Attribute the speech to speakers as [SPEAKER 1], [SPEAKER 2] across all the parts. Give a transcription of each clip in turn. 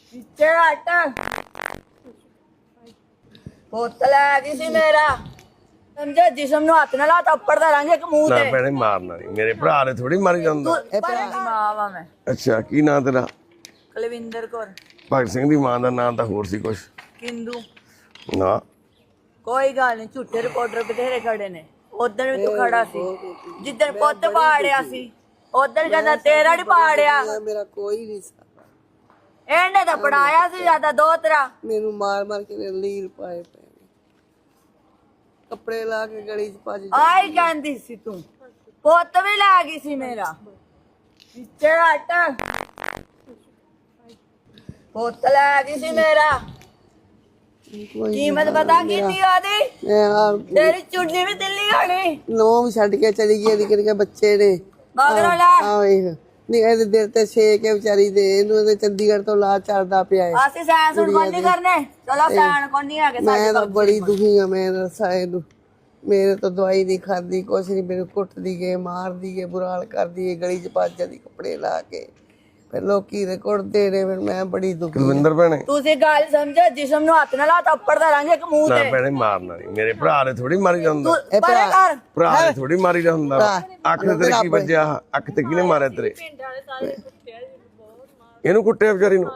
[SPEAKER 1] ਪੁੱਤ ਲੈ ਗਈ ਸੀ ਮੇਰਾ ਸਮਝੇ ਜਿਸਮ ਨੂੰ ਹੱਥ ਨਾਲ ਲਾ ਥੱਪੜ ਦਾ ਰੰਗ ਇੱਕ ਮੂੰਹ
[SPEAKER 2] ਨਾ
[SPEAKER 1] ਤੇ
[SPEAKER 2] ਭੈਣੇ ਮਾਰਨਾ ਨਹੀਂ, ਮੇਰੇ ਭਰਾ ਨੇ ਥੋੜੀ ਮਾਰੀ ਜਾਂਦਾ।
[SPEAKER 1] ਮਾਂ ਵਾ ਮੈਂ
[SPEAKER 2] ਅੱਛਾ, ਕੀ ਨਾਂ ਤੇਰਾ?
[SPEAKER 1] ਕੁਲਵਿੰਦਰ ਕੌਰ।
[SPEAKER 2] ਭਗਤ ਸਿੰਘ ਦੀ ਮਾਂ ਦਾ ਨਾਂ ਤਾਂ ਹੋਰ ਸੀ ਕੁਛ?
[SPEAKER 1] ਕਿੰਦੂ।
[SPEAKER 2] ਨਾ
[SPEAKER 1] ਕੋਈ ਗੱਲ ਨਹੀਂ, ਝੂਠੇ ਰਿਪੋਰਟਰ ਬਥੇਰੇ ਖੜੇ ਨੇ। ਉਧਰ ਵੀ ਤੂੰ ਖੜਾ ਸੀ ਜਿੱਦਣ ਪੁੱਤ ਪਾੜਿਆ ਸੀ, ਉਧਰ ਕਹਿੰਦਾ ਤੇਰਾ ਨੀ ਪਾੜਿਆ।
[SPEAKER 3] ਮੇਰਾ ਕੋਈ ਨਹੀਂ ਸੀ,
[SPEAKER 1] ਇਹਨੇ ਤਾਂ ਪੜਾਇਆ ਸੀ ਜਿਆਦਾ ਦੋ ਤਰ੍ਹਾਂ।
[SPEAKER 3] ਮੈਨੂੰ ਮਾਰ ਮਾਰ ਕੇ ਲੀਰ ਪਾਏ ਪਏ ਨੇ। ਕੱਪੜੇ ਲਾ ਕੇ ਗਲੀ ਚ ਭੱਜ
[SPEAKER 1] ਆਈ ਕਹਿੰਦੀ ਸੀ ਤੂੰ, ਪੁੱਤ ਵੀ ਲੈ ਗਈ ਸੀ ਮੇਰਾ। ਪਿੱਛੇ ਹਟ, ਪੁੱਤ ਲੈ ਗਈ ਸੀ ਮੇਰਾ। ਕੀਮਤ ਪਤਾ ਕਿੰਨੀ ਉਹਦੀ? ਤੇਰੀ ਚੁੰਨੀ ਵੀ ਦਿੱਲੀ ਹੋਣੀ।
[SPEAKER 3] ਨੌ ਵੀ ਛੱਡ ਕੇ ਚਲੀ ਗਈ, ਨਿੱਕੇ ਨਿੱਕੇ ਬੱਚੇ ਨੇ।
[SPEAKER 1] ਮਗਰੋਂ ਲੈ
[SPEAKER 3] ਆ ਵੇਖ ਨਹੀਂ, ਇਹਦੇ ਦਿਲ ਤੇ ਛੇਕ ਹੈ ਵਿਚਾਰੀ ਦੇ। ਇਹਨੂੰ ਇਹਦੇ ਚੰਡੀਗੜ੍ਹ ਤੋਂ ਲਾ ਚੜਦਾ ਪਿਆ ਹੈ।
[SPEAKER 1] ਅਸੀਂ ਸੈਨ ਸੁਣ ਕੋਈ ਨਹੀਂ ਕਰਨੇ। ਚਲੋ ਸੈਨ ਕੋਈ ਨਹੀਂ ਹੈਗੇ ਸਾਡੇ
[SPEAKER 3] ਮੈਂ ਤਾਂ ਬੜੀ ਦੁਖੀ ਆ। ਮੈਂ ਦੱਸਾਂ ਇਹਨੂੰ, ਮੇਰੇ ਤੋਂ ਦਵਾਈ ਨਹੀਂ ਖਾਂਦੀ, ਕੁਛ ਨਹੀਂ। ਮੈਨੂੰ ਕੁੱਟਦੀ ਗਏ, ਮਾਰਦੀ ਗਏ, ਬੁਰਾ ਹਾਲ ਕਰਦੀ ਗਈ, ਗਲੀ ਚ ਭੱਜ ਜਾਂਦੀ ਕੱਪੜੇ ਲਾ ਕੇ। ਫਿਰ ਲੋਕੀ ਦੇ ਕੁੱਟਦੇ ਨੇ। ਫਿਰ ਮੈਂ ਬੜੀ ਦੁਖੀ।
[SPEAKER 2] ਕੁਲਵਿੰਦਰ ਭੈਣੇ
[SPEAKER 1] ਤੁਸੀਂ ਗੱਲ ਸਮਝੋ, ਜਿਸਮ ਨੂੰ ਹੱਥ ਨਾਲ ਲਾ ਥੱਪੜ ਦਾ ਰੰਗ ਇੱਕ ਮੂੰਹ
[SPEAKER 2] ਨਾ
[SPEAKER 1] ਤੇ।
[SPEAKER 2] ਭੈਣੇ ਮਾਰਨਾ ਨਹੀਂ, ਮੇਰੇ ਭਰਾ ਨੇ ਥੋੜੀ ਮਾਰੀ ਜਾਂਦਾ।
[SPEAKER 1] ਪਰੇ ਕਰ।
[SPEAKER 2] ਭਰਾ ਨੇ ਥੋੜੀ ਮਾਰੀ ਦਾ ਹੁੰਦਾ। ਅੱਖ ਤੇ ਤੇਰੇ ਕੀ ਵੱਜਿਆ? ਅੱਖ ਤੇ ਕਿਹਨੇ ਮਾਰਿਆ ਤੇਰੇ? ਇਹਨੂੰ ਕੁੱਟਿਆ ਵਿਚਾਰੀ ਨੂੰ?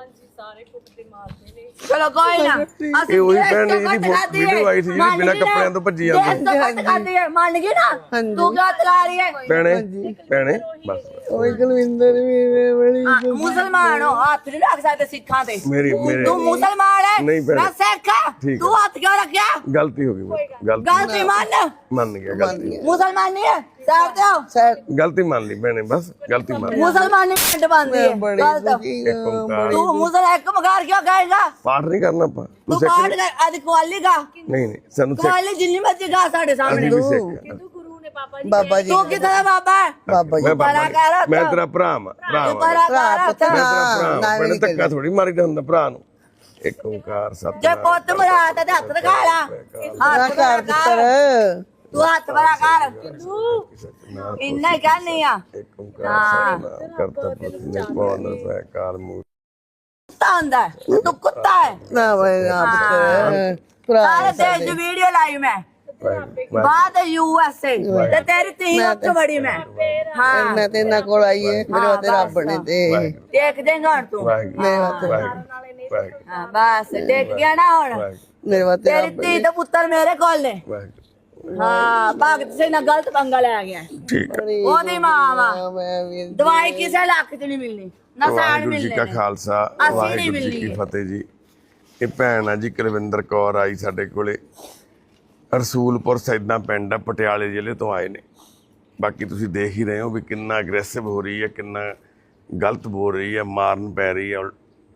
[SPEAKER 1] ਚਲੋ ਕੋਈ ਨਾ,
[SPEAKER 2] ਇਹ ਉਹੀ ਭੈਣ ਨੇ ਜਿਹਦੀ ਵੀਡੀਓ ਆਈ ਸੀ, ਜਿਹੜੀ ਬਿਨਾਂ ਕੱਪੜਿਆਂ ਤੋਂ ਭੱਜੀ ਜਾਂਦੀ।
[SPEAKER 1] ਮੰਨ ਗਈ ਨਾ ਤੂੰ ਕਿਉਂ ਤਲਾ ਰਹੀ ਹੈ?
[SPEAKER 2] ਭੈਣੇ ਬਸ
[SPEAKER 3] ਓਏ ਕੁਲਵਿੰਦਰ ਵੀ ਬੜੀ
[SPEAKER 1] ਮੁਸਲਮਾਨ ਹੋ, ਹੱਥ ਨਹੀਂ ਰੱਖ ਸਕਦੇ ਸਿੱਖਾਂ ਤੇ।
[SPEAKER 2] ਮੇਰੇ
[SPEAKER 1] ਤੂੰ ਮੁਸਲਮਾਨ ਹੈ,
[SPEAKER 2] ਨਹੀਂ ਭੈਣੇ।
[SPEAKER 1] ਮੈਂ ਸਿੱਖ ਹਾਂ।
[SPEAKER 2] ਠੀਕ
[SPEAKER 1] ਤੂੰ ਹੱਥ ਕਿਉਂ ਰੱਖਿਆ?
[SPEAKER 2] ਗਲਤੀ ਹੋ ਗਈ ਮੇਰੀ,
[SPEAKER 1] ਗਲਤੀ
[SPEAKER 2] ਮੰਨ ਗਿਆ ਗਲਤੀ।
[SPEAKER 1] ਮੁਸਲਮਾਨ ਨਹੀਂ ਹੈ, ਸਾਈਡ ਤੇ ਹੋ।
[SPEAKER 2] ਗਲਤੀ ਮੰਨ ਲਈ ਭੈਣੇ, ਬਸ ਗਲਤੀ ਮੰਨ ਲਈ।
[SPEAKER 1] ਮੁਸਲਮਾਨ ਨਹੀਂ ਪਿੰਡ ਬੰਦੀ ਹੈ।
[SPEAKER 3] ਬੜੀ ਦੁਖੀ ਆ।
[SPEAKER 2] ਇੱਕ ਓਂਕਾਰ।
[SPEAKER 1] ਤੂੰ ਮੁਸਲਮਾਨ ਇੱਕ ਮਗਾਰ ਕਿਉਂ ਕਹੇਗਾ?
[SPEAKER 2] ਪਾਠ ਨਹੀਂ ਕਰਨਾ ਆਪਾਂ।
[SPEAKER 1] ਤੂੰ ਪਾਠ ਕਰ, ਅੱਜ ਕੁਆਲੀ ਗਾ।
[SPEAKER 2] ਨਹੀਂ ਸਾਨੂੰ
[SPEAKER 1] ਕੁਆਲੀ ਜਿੰਨੀ ਮਰਜ਼ੀ ਗਾ ਸਾਡੇ ਸਾਹਮਣੇ।
[SPEAKER 2] ਅਸੀਂ ਵੀ ਸਿੱਖ।
[SPEAKER 3] ਬਾਬਾ ਜੀ
[SPEAKER 1] ਤੂੰ ਕਿੱਥੇ ਦਾ ਬਾਬਾ ਹੈ?
[SPEAKER 3] ਬਾਬਾ ਜੀ
[SPEAKER 2] ਮੈਂ ਤੇਰਾ ਭਰਾ ਹਾਂ।
[SPEAKER 1] ਤੂੰ ਪਰਾ ਕਰ ਹੱਥ।
[SPEAKER 2] ਭੈਣੇ ਧੱਕਾ ਥੋੜੀ ਮਾਰੀਦਾ ਹੁੰਦਾ ਭਰਾ ਨੂੰ। ਇੱਕ ਓਂਕਾਰ
[SPEAKER 1] ਜੇ
[SPEAKER 2] ਸਤਿਨਾਮ।
[SPEAKER 1] ਪੁੱਤ ਮਰਾ ਤਾਂ ਹੱਥ ਦਿਖਾ ਲਾ। ਹੱਥ
[SPEAKER 3] ਘਰ ਪੁੱਤਰ
[SPEAKER 1] ਤੂੰ ਹੱਥ ਬੜਾ ਕਰ। ਇੰਨਾ ਹੀ ਕਹਿਨੀ ਆ।
[SPEAKER 2] ਇੱਕ ਓਂਕਾਰ ਸਤਿਨਾਮ ਕਰਤਾ ਪੁਰਖ ਨਿਰਭਉ ਨਿਰਭੈ ਅਕਾਲ ਮੂਰਤਿ।
[SPEAKER 1] ਕੁੱਤਾ ਹੁੰਦਾ ਹੈ, ਤੂੰ ਕੁੱਤਾ ਹੈ।
[SPEAKER 3] ਨਾ ਵੇ ਨਾ ਪੁੱਤਰ ਭਰਾ
[SPEAKER 1] ਸਾਰੇ ਦੇਸ਼ ਦੀ ਵੀਡੀਓ ਲਾਈ ਮੈਂ। ਬਾਅਦ USA ਤੇ ਤੇਰੀ ਧੀ ਉੱਥੇ ਬੜੀ ਮੈਂ। ਹਾਂ
[SPEAKER 3] ਮੈਂ ਤੇ ਇਹਨਾਂ ਕੋਲ ਆਈ ਹੈ, ਮੇਰੇ ਵਾਸਤੇ ਰੱਬ ਨੇ ਤੇ
[SPEAKER 1] ਦੇਖ ਦੇਂਗਾ ਹੁਣ ਤੂੰ।
[SPEAKER 3] ਮੇਰੇ ਵਾਸਤੇ
[SPEAKER 1] ਹਾਂ ਬਸ ਦੇਖ ਗਿਆ ਨਾ ਹੁਣ।
[SPEAKER 3] ਮੇਰੇ ਵਾਸਤੇ
[SPEAKER 1] ਤੇਰੀ ਧੀ ਤੇ ਪੁੱਤਰ ਮੇਰੇ ਕੋਲ ਨੇ। ਹਾਂ ਭਗਤ ਸਿੰਘ ਨਾਲ ਗਲਤ ਪੰਗਾ ਲੈ ਗਿਆ।
[SPEAKER 2] ਠੀਕ ਹੈ।
[SPEAKER 1] ਉਹਦੀ ਮਾਂ ਵਾ।
[SPEAKER 3] ਮੈਂ ਵੀ
[SPEAKER 1] ਦਵਾਈ ਕਿਸੇ ਲੱਖ ਚ ਨਹੀਂ ਮਿਲਣੀ, ਨਾ ਸਾਣ
[SPEAKER 2] ਵਾਹਿਗੁਰੂ ਜੀ
[SPEAKER 1] ਮਿਲਣੇ
[SPEAKER 2] ਕਾ
[SPEAKER 1] ਨੇ।
[SPEAKER 2] ਖਾਲਸਾ
[SPEAKER 1] ਅਸੀਂ ਨਹੀਂ
[SPEAKER 2] ਵਾਹਿਗੁਰੂ ਜੀ ਕੀ
[SPEAKER 1] ਮਿਲਣੀ।
[SPEAKER 2] ਫਤਿਹ ਜੀ। ਇਹ ਭੈਣ ਆ ਜੀ ਕੁਲਵਿੰਦਰ ਕੌਰ ਆਈ ਸਾਡੇ ਕੋਲੇ। ਰਸੂਲਪੁਰ ਸੈਦਾਂ ਪਿੰਡ ਆ, ਪਟਿਆਲੇ ਜ਼ਿਲ੍ਹੇ ਤੋਂ ਆਏ ਨੇ। ਬਾਕੀ ਤੁਸੀਂ ਦੇਖ ਹੀ ਰਹੇ ਹੋ ਵੀ ਕਿੰਨਾ ਅਗਰੈਸਿਵ ਹੋ ਰਹੀ ਹੈ, ਕਿੰਨਾ ਗਲਤ ਬੋਲ ਰਹੀ ਹੈ, ਮਾਰਨ ਪੈ ਰਹੀ ਹੈ।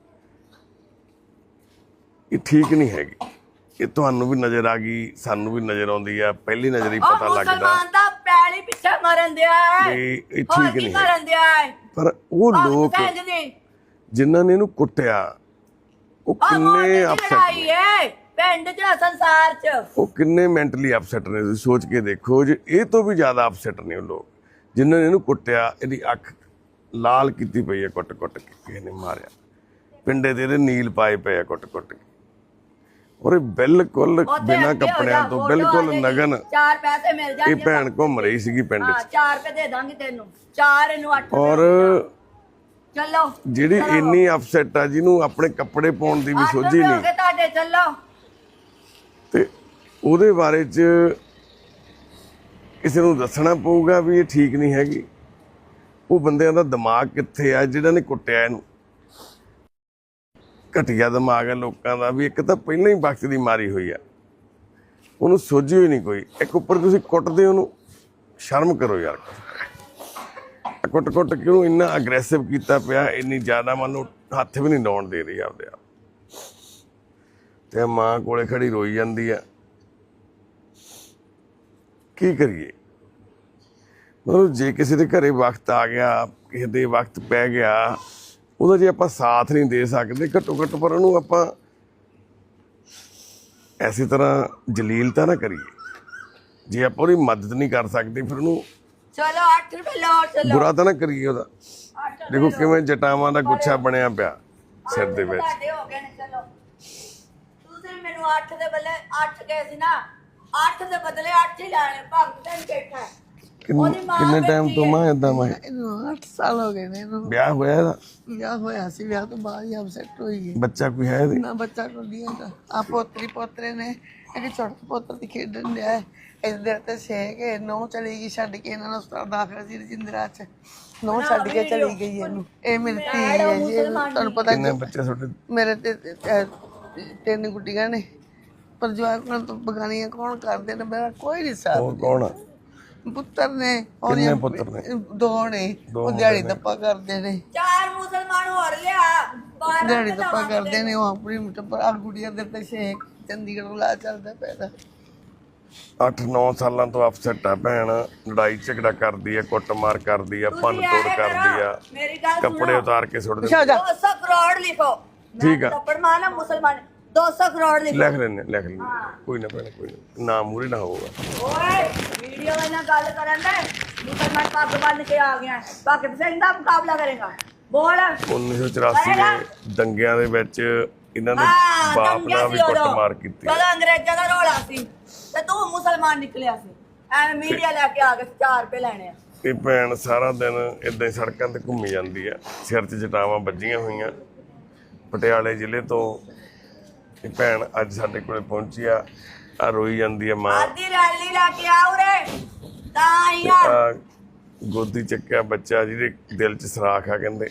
[SPEAKER 2] ਇਹ ਠੀਕ ਨਹੀਂ ਹੈਗੀ। ਇਹ ਤੁਹਾਨੂੰ ਵੀ ਨਜ਼ਰ ਆ ਗਈ, ਸਾਨੂੰ ਵੀ ਨਜ਼ਰ ਆਉਂਦੀ ਆ। ਪਹਿਲੀ ਨਜ਼ਰ ਹੀ ਪਤਾ ਲੱਗਦਾ
[SPEAKER 1] ਮੁਸਲਮਾਨ ਦਾ ਪੈਲੀ ਪਿੱਛੇ ਮਰਨ ਦਿਆ ਹੈ।
[SPEAKER 2] ਵੀ ਇਹ
[SPEAKER 1] ਹੋਰ
[SPEAKER 2] ਠੀਕ
[SPEAKER 1] ਕੀ
[SPEAKER 2] ਨਹੀਂ
[SPEAKER 1] ਕਰਨ ਦਿਆ ਹੈ?
[SPEAKER 2] ਪਰ ਉਹ ਲੋਕ
[SPEAKER 1] ਭਗਤ ਸਿੰਘ
[SPEAKER 2] ਜਿਨ੍ਹਾਂ ਨੇ ਇਹਨੂੰ ਕੁੱਟਿਆ ਉਹ ਕਿੰਨੇ ਅਪਸੈਟ
[SPEAKER 1] ਲੜਾਈ ਹੈ ਪਿੰਡ ਚ, ਸੰਸਾਰ ਚ।
[SPEAKER 2] ਉਹ ਕਿੰਨੇ ਮੈਂਟਲੀ ਅਪਸੈਟ ਨੇ। ਤੁਸੀਂ ਸੋਚ ਕੇ ਦੇਖੋ, ਜੇ ਇਹ ਤੋਂ ਵੀ ਜ਼ਿਆਦਾ ਅਪਸੈਟ ਨੇ ਉਹ ਲੋਕ ਜਿਨ੍ਹਾਂ ਨੇ ਇਹਨੂੰ ਕੁੱਟਿਆ। ਇਹਦੀ ਅੱਖ ਲਾਲ ਕੀਤੀ ਪਈ ਹੈ ਕੁੱਟ ਕੁੱਟ ਕੇ, ਕਿਸੇ ਨੇ ਮਾਰਿਆ। ਪਿੰਡੇ ਤੇ ਇਹਦੇ ਨੀਲ ਪਾਏ ਪਏ ਆ ਕੁੱਟ ਕੁੱਟ ਕੇ। ਔਰ ਇਹ ਬਿਲਕੁਲ ਬਿਨਾਂ ਕੱਪੜਿਆਂ ਤੋਂ, ਬਿਲਕੁਲ ਨਗਨ।
[SPEAKER 1] 4 ਪੈਸੇ ਮਿਲ ਜਾਣਗੇ।
[SPEAKER 2] ਇਹ ਭੈਣ ਘੁੰਮ ਰਹੀ ਸੀਗੀ ਪਿੰਡ
[SPEAKER 1] ਹਾਂ
[SPEAKER 2] 'ਚ।
[SPEAKER 1] 4 ਰੁਪਏ ਦੇ ਦਾਂਗੀ ਤੈਨੂੰ, 4 ਇਹਨੂੰ 8।
[SPEAKER 2] ਔਰ
[SPEAKER 1] ਚਲੋ
[SPEAKER 2] ਜਿਹੜੀ ਇੰਨੀ ਅਪਸੈਟ ਆ, ਜਿਹਨੂੰ ਆਪਣੇ ਕੱਪੜੇ ਪਾਉਣ ਦੀ ਵੀ ਸੋਝੀ ਨਹੀਂ,
[SPEAKER 1] ਤੁਹਾਡੇ ਚੱਲੋ।
[SPEAKER 2] ਤੇ ਉਹਦੇ ਬਾਰੇ 'ਚ ਕਿਸੇ ਨੂੰ ਦੱਸਣਾ ਪਊਗਾ ਵੀ ਇਹ ਠੀਕ ਨਹੀਂ ਹੈਗੀ। ਉਹ ਬੰਦਿਆਂ ਦਾ ਦਿਮਾਗ ਕਿੱਥੇ ਆ ਜਿਹਨਾਂ ਨੇ ਕੁੱਟਿਆ ਇਹਨੂੰ? ਘਟੀਆ ਦਿਮਾਗ ਹੈ ਲੋਕਾਂ ਦਾ। ਵੀ ਇੱਕ ਤਾਂ ਪਹਿਲਾਂ ਹੀ ਵਕਤ ਦੀ ਮਾਰੀ ਹੋਈ ਆ, ਉਹਨੂੰ ਸੋਝੀ ਹੋਈ ਨਹੀਂ ਕੋਈ। ਇੱਕ ਉੱਪਰ ਤੁਸੀਂ ਕੁੱਟਦੇ ਉਹਨੂੰ, ਸ਼ਰਮ ਕਰੋ ਯਾਰ। ਕੁੱਟ ਕੁੱਟ ਕੇ ਉਹਨੂੰ ਇੰਨਾ ਅਗਰੈਸਿਵ ਕੀਤਾ ਪਿਆ, ਇੰਨੀ ਜ਼ਿਆਦਾ ਮੈਨੂੰ ਹੱਥ ਵੀ ਨਹੀਂ ਲਾਉਣ ਦੇ ਰਹੀ ਆਪਦੇ ਆਪ। ਤੇ ਮਾਂ ਕੋਲੇ ਖੜੀ ਰੋਈ ਜਾਂਦੀ ਆ। ਕੀ ਕਰੀਏ? ਮਤਲਬ ਜੇ ਕਿਸੇ ਦੇ ਘਰੇ ਵਕਤ ਆ ਗਿਆ, ਕਿਸੇ ਦੇ ਵਕਤ ਪੈ ਗਿਆ, ਉਹਦਾ ਜੇ ਆਪਾਂ ਸਾਥ ਨਹੀਂ ਦੇ ਸਕਦੇ, ਘੱਟੋ ਘੱਟ ਪਰ ਉਹਨੂੰ ਆਪਾਂ ਐਸੀ ਤਰ੍ਹਾਂ ਜਲੀਲ ਤਾਂ ਨਾ ਕਰੀਏ। ਜੇ ਆਪਾਂ ਉਹਦੀ ਮਦਦ ਨਹੀਂ ਕਰ ਸਕਦੇ, ਫਿਰ ਉਹਨੂੰ
[SPEAKER 1] ਚਲੋ 8 ਰੁਪਏ ਲਓ। ਚਲੋ
[SPEAKER 2] ਬੁਰਾ ਤਾਂ ਨਾ ਕਰੀਏ ਉਹਦਾ। ਦੇਖੋ ਕਿਵੇਂ ਜਟਾਵਾਂ ਦਾ ਗੁੱਛਾ ਬਣਿਆ ਪਿਆ। ਸਿਰ ਦੇ ਵਿੱਚ।
[SPEAKER 1] ਤੁਹਾਡੇ ਹੋ ਗਏ ਨੇ, ਚਲੋ ਤੁਸੀਂ ਮੈਨੂੰ 8 ਦੇ ਬਦਲੇ 8 ਗਏ ਸੀ ਨਾ, 8 ਦੇ ਬਦਲੇ 8 ਹੀ ਲੈਣੇ। ਭਗਤ ਸਿੰਘ ਬੈਠਾ ਹੈ। ਉਹਦੀ ਮਾਂ
[SPEAKER 2] ਕਿੰਨੇ ਟਾਈਮ ਤੋਂ ਮਾਂ ਏਦਾਂ ਮੈਂ
[SPEAKER 3] ਇਹਨੂੰ 8 ਸਾਲ ਹੋ ਗਏ ਨੇ ਇਹਨੂੰ।
[SPEAKER 2] ਵਿਆਹ ਹੋਇਆ ਇਹਦਾ?
[SPEAKER 3] ਵਿਆਹ ਹੋਇਆ ਸੀ, ਵਿਆਹ ਤੋਂ ਬਾਅਦ ਹੀ ਅਪਸੈਟ ਹੋਈ ਹੈ।
[SPEAKER 2] ਬੱਚਾ ਕੋਈ ਹੈ ਇਹਦੇ?
[SPEAKER 3] ਨਾ ਬੱਚਾ ਕੋਈ ਹੈਗਾ। ਆ ਪੋਤਰੀ ਪੋਤਰੇ ਨੇ, ਇੱਕ ਛੋਟੇ ਪੁੱਤਰ ਦੀ ਖੇਡਣ ਡਿਆ ਹੈ। ਇੱਧਰ ਤੇ ਛੇਕ ਨੌ ਚਲੀ ਗਈ ਛੱਡ ਕੇ, ਇਹਨਾਂ ਨੂੰ ਹਸਪਤਾਲ ਦਾਖਲ ਸੀ ਰਜਿੰਦਰਾ ਚ। ਨੌ ਛੱਡ ਕੇ ਚਲੀ ਗਈ ਇਹਨੂੰ। ਇਹ ਮੇਰੀ ਧੀ ਹੈ ਜੀ, ਤੁਹਾਨੂੰ ਪਤਾ
[SPEAKER 2] ਕਿੰਨੇ ਬੱਚੇ ਤੁਹਾਡੇ?
[SPEAKER 3] ਮੇਰੇ ਤੇ 3 ਗੁੱਡੀਆਂ ਨੇ, ਪਰ ਜਵਾਕਾਂ ਤੋਂ ਬਗਾਨੀਆਂ ਕੌਣ ਕਰਦੇ ਨੇ? ਮੇਰਾ ਕੋਈ ਨਹੀਂ ਸਾਥ।
[SPEAKER 2] ਉਹ ਕੌਣ ਆ?
[SPEAKER 3] ਪੁੱਤਰ ਨੇ,
[SPEAKER 2] ਕਿੰਨੇ ਪੁੱਤਰ ਨੇ?
[SPEAKER 3] 2 ਨੇ। ਉਹ ਦਿਹਾੜੀ ਦੱਪਾ ਕਰਦੇ ਨੇ,
[SPEAKER 1] 4 ਮੁਸਲਮਾਨ ਹੋਰ ਲਿਆ, 12
[SPEAKER 3] ਦਿਹਾੜੀ ਦੱਪਾ ਕਰਦੇ ਨੇ। ਉਹ ਆਪਣੀ ਟੱਬਰ ਆ ਗੁੱਡੀਆਂ ਦੇ ਤੇ ਛੇਕ ਚੰਡੀਗੜ੍ਹ ਲਾ ਚੱਲਦਾ ਪੈਦਾ।
[SPEAKER 2] 8-9 ਸਾਲਾਂ ਤੋਂ ਅਪਸੈਟ ਆ ਭੈਣ। ਲੜਾਈ ਝਗੜਾ ਕਰਦੀ ਆ, ਕੁੱਟਮਾਰ ਕਰਦੀ ਆ, ਭੰਨ ਤੋੜ ਕਰਦੀ ਆ,
[SPEAKER 1] ਮੇਰੀ ਗੱਲ
[SPEAKER 2] ਕੱਪੜੇ ਉਤਾਰ ਕੇ ਸੁੱਟ ਦਿੰਦੀ।
[SPEAKER 1] 200 ਕਰੋੜ ਲਿਖੋ।
[SPEAKER 2] ਠੀਕ ਆ।
[SPEAKER 1] ਥੱਪੜ ਮਾਰਨਾ ਮੁਸਲਮਾਨ, 200 ਕਰੋੜ ਲਿਖੋ।
[SPEAKER 2] ਲਿਖ ਲੈਣੇ ਕੋਈ ਨਾ ਭੈਣ, ਕੋਈ ਨਾ ਮੂਰੇ ਨਾ ਹੋਊਗਾ।
[SPEAKER 1] ਓਏ ਵੀਡੀਓ ਨਾਲ ਗੱਲ ਕਰਨ ਦੇ, ਮੁਸਲਮਾਨ ਪੱਗ ਬੰਨ ਕੇ ਆ ਗਿਆ, ਭਗਤ ਸਿੰਘ ਦਾ ਮੁਕਾਬਲਾ ਕਰੇਗਾ। ਬੋਲ।
[SPEAKER 2] 1984 ਦੇ ਦੰਗਿਆਂ ਦੇ ਵਿੱਚ ਇਹਨਾਂ ਦੇ ਬਾਪ ਨਾਲ ਵੀ ਕੁੱਟਮਾਰ ਕੀਤੀ।
[SPEAKER 1] ਜਦੋਂ ਅੰਗਰੇਜ਼ਾਂ ਦਾ ਰੋਲਾ ਸੀ ਤੇ ਤੂੰ ਮੁਸਲਮਾਨ ਨਿਕਲਿਆ ਸੀ, ਐਵੇਂ ਮੀਡੀਆ ਲੈ ਕੇ ਆ ਕੇ 4 ਰੁਪਏ ਲੈਣੇ ਆ।
[SPEAKER 2] ਇਹ ਭੈਣ ਸਾਰਾ ਦਿਨ ਏਦਾਂ ਹੀ ਸੜਕਾਂ ਤੇ ਘੁੰਮੀ ਜਾਂਦੀ ਆ, ਸਿਰ 'ਚ ਜਟਾਵਾਂ ਵੱਜੀਆਂ ਹੋਈਆਂ। ਪਟਿਆਲੇ ਜ਼ਿਲ੍ਹੇ ਤੋਂ ਇਹ ਭੈਣ ਅੱਜ ਸਾਡੇ ਕੋਲੇ ਪਹੁੰਚੀ ਆ ਰੋਈ ਜਾਂਦੀ ਆ ਮਾਂ।
[SPEAKER 1] ਆਦੀ ਰੈਲੀ ਲੈ ਕੇ ਆ ਉਰੇ ਤਾਂ ਆਈ ਆ।
[SPEAKER 2] ਆ ਗੋਦੀ ਚੱਕਿਆ ਬੱਚਾ ਜਿਹਦੇ ਦਿਲ 'ਚ ਸਰਾਖ ਆ ਕਹਿੰਦੇ।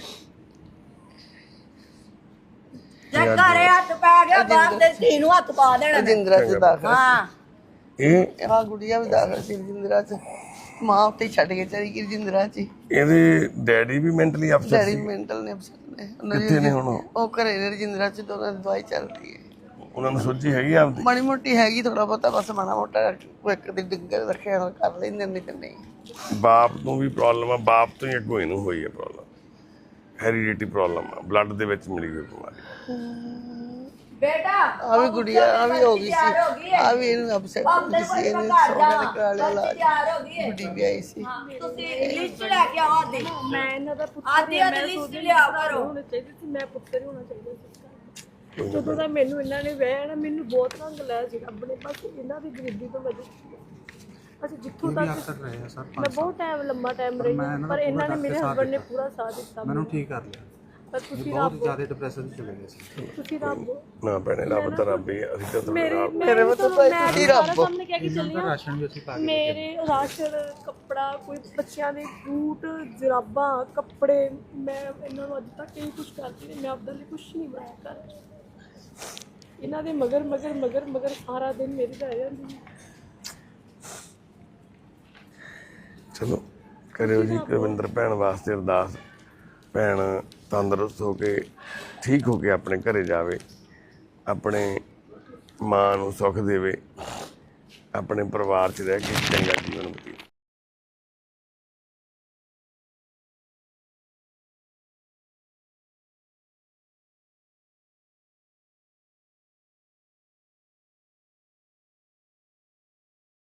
[SPEAKER 1] ਜੇ ਘਰੇ ਹੱਥ ਪੈ ਗਿਆ ਬਾਹਰ ਤੇ ਧੀ ਨੂੰ ਹੱਥ ਪਾ ਦੇਣਾ।
[SPEAKER 3] ਰਜਿੰਦਰਾ ਚ ਦਾਖਲ।
[SPEAKER 1] ਹਾਂ
[SPEAKER 2] ਇਹ
[SPEAKER 3] ਆ ਗੁੱਡੀਆਂ ਵੀ ਦਾਖਲ ਸੀ ਰਜਿੰਦਰਾ ਚ। ਮਾਂ ਉੱਤੇ ਛੱਡ ਕੇ ਚਲੀ ਗਈ ਰਜਿੰਦਰਾ ਚ।
[SPEAKER 2] ਇਹਦੇ ਡੈਡੀ ਵੀ ਮੈਂਟਲੀ ਅਪਸੈਟ
[SPEAKER 3] ਡੈਡੀ
[SPEAKER 2] ਸੀ।
[SPEAKER 3] ਮੈਂਟਲ ਨੇ ਅਪਸੈਟ ਨੇ।
[SPEAKER 2] ਕਿੱਥੇ ਨੇ ਹੁਣ?
[SPEAKER 3] ਉਹ ਘਰੇ ਨੇ ਰਜਿੰਦਰਾ ਚ, ਦੋਨਾਂ ਦੀ ਦਵਾਈ ਚੱਲ ਰਹੀ ਹੈ।
[SPEAKER 2] ਉਹਨਾਂ ਨੂੰ ਸੋਝੀ ਹੈਗੀ ਆਪਦੀ?
[SPEAKER 3] ਮਾੜੀ ਮੋਟੀ ਹੈਗੀ, ਥੋੜਾ ਬਹੁਤਾ ਬਸ ਮਾੜਾ ਮੋਟਾ ਕੋਈ ਇੱਕ ਦੀ ਡਿੱਗਰ ਰੱਖਿਆ ਹੋਇਆ ਕਰ ਲੈਂਦੇ ਨੇ ਤੇ ਨਹੀਂ।
[SPEAKER 2] ਬਾਪ ਨੂੰ ਵੀ ਪ੍ਰੋਬਲਮ ਆ, ਬਾਪ ਤੋਂ ਹੀ ਅੱਗੋਂ ਇਹਨੂੰ ਹੋਈ ਹੈ ਪ੍ਰੋਬਲਮ। ਹੈਰੀਡਿਟੀ ਪ੍ਰੋਬਲਮ ਆ, ਬਲੱਡ ਦੇ ਵਿੱਚ ਮਿਲੀ ਹੋਈ ਬਿਮਾਰੀ।
[SPEAKER 1] ਬੇਟਾ
[SPEAKER 3] ਆ ਵੀ ਗੁੜੀਆ ਆ ਵੀ ਹੋ ਗਈ ਸੀ, ਆ ਵੀ ਇਹਨੂੰ ਅਪਸੈਟ ਹੋ ਗਈ ਸੀ। ਇਹਨੇ ਸੋਨੇ ਦੇ ਕਰਾ ਲਿਆ ਇਲਾਜ।
[SPEAKER 1] ਤਿਆਰ ਹੋ ਗਈ ਹੈ।
[SPEAKER 3] ਗੁੱਡੀ ਵੀ ਆਈ ਸੀ।
[SPEAKER 1] ਤੁਸੀਂ ਲਿਸਟ ਲੈ ਕੇ ਆਓ ਆਦੀ।
[SPEAKER 4] ਮੈਂ ਇਹਨਾਂ ਦਾ ਪੁੱਤਰ
[SPEAKER 1] ਆਦੀ ਲਿਸਟ ਲਿਆਓ ਕਰੋ।
[SPEAKER 4] ਹੋਣਾ ਚਾਹੀਦਾ ਸੀ, ਮੈਂ ਪੁੱਤਰ ਹੀ ਹੋਣਾ ਚਾਹੀਦਾ ਸੀ। ਜਦੋਂ ਦਾ ਮੈਨੂੰ ਇਹਨਾਂ ਨੇ ਵਿਆਹਿਆ ਨਾ, ਮੈਨੂੰ ਬਹੁਤ ਰੰਗ ਲਿਆ ਸੀ ਰੱਬ ਨੇ, ਬਸ ਇਹਨਾਂ ਦੀ ਗਰੀਬੀ ਤੋਂ ਵਜ੍ਹਾ ਅਸੀਂ ਜਿੱਥੋਂ ਤੱਕ ਮੈਂ ਬਹੁਤ ਟਾਈਮ ਲੰਮਾ ਟਾਈਮ ਰਹੀ ਹਾਂ, ਪਰ ਇਹਨਾਂ ਨੇ ਮੇਰੇ ਹਸਬੰਡ ਨੇ ਪੂਰਾ ਸਾਥ ਦਿੱਤਾ
[SPEAKER 5] ਮੈਨੂੰ ਠੀਕ ਕਰ ਲਿਆ।
[SPEAKER 4] ਪਰ ਤੁਸੀਂ
[SPEAKER 5] ਬਹੁਤ ਜ਼ਿਆਦਾ ਡਿਪਰੈਸ਼ਨ ਚ ਚਲੇ ਗਏ ਸੀ।
[SPEAKER 4] ਤੁਸੀਂ ਰੱਬ
[SPEAKER 2] ਨਾ ਭੈਣੇ, ਰੱਬ ਤਾਂ ਰੱਬ ਹੀ ਆ। ਅਸੀਂ ਤਾਂ ਤੁਹਾਡੇ ਨਾਲ
[SPEAKER 3] ਮੇਰੇ ਵੱਲ ਤਾਂ ਤੁਸੀਂ ਰੱਬ।
[SPEAKER 4] ਸਾਹਮਣੇ ਕਹਿ ਕੇ ਚੱਲੀ ਹਾਂ,
[SPEAKER 5] ਰਾਸ਼ਨ ਵੀ ਅਸੀਂ ਪਾ ਕੇ
[SPEAKER 4] ਮੇਰੇ ਰਾਸ਼ਨ, ਕੱਪੜਾ, ਕੋਈ ਬੱਚਿਆਂ ਦੇ ਬੂਟ, ਜਰਾਬਾਂ, ਕੱਪੜੇ, ਮੈਂ ਇਹਨਾਂ ਨੂੰ ਅੱਜ ਤੱਕ ਇਹੀ ਕੁਛ ਕਰਦੀ ਨਹੀਂ। ਮੈਂ ਆਪਦੇ ਲਈ ਕੁਛ ਨਹੀਂ ਬਣਾਇਆ ਕਰ। ਇਹਨਾਂ ਦੇ ਮਗਰ ਮਗਰ ਮਗਰ ਮਗਰ ਸਾਰਾ ਦਿਨ ਮੇਰੀ ਰਹਿ ਜਾਂਦੀ ਹੈ।
[SPEAKER 2] ਚਲੋ ਕਰਿਓ ਜੀ ਕੁਲਵਿੰਦਰ ਭੈਣ ਵਾਸਤੇ ਅਰਦਾਸ। ਭੈਣ ਤੰਦਰੁਸਤ ਹੋ ਕੇ, ਠੀਕ ਹੋ ਕੇ ਆਪਣੇ ਘਰੇ ਜਾਵੇ, ਆਪਣੇ ਮਾਂ ਨੂੰ ਸੁੱਖ ਦੇਵੇ, ਆਪਣੇ ਪਰਿਵਾਰ 'ਚ ਰਹਿ ਕੇ ਚੰਗਾ ਜੀਵਨ ਬਤੀਤ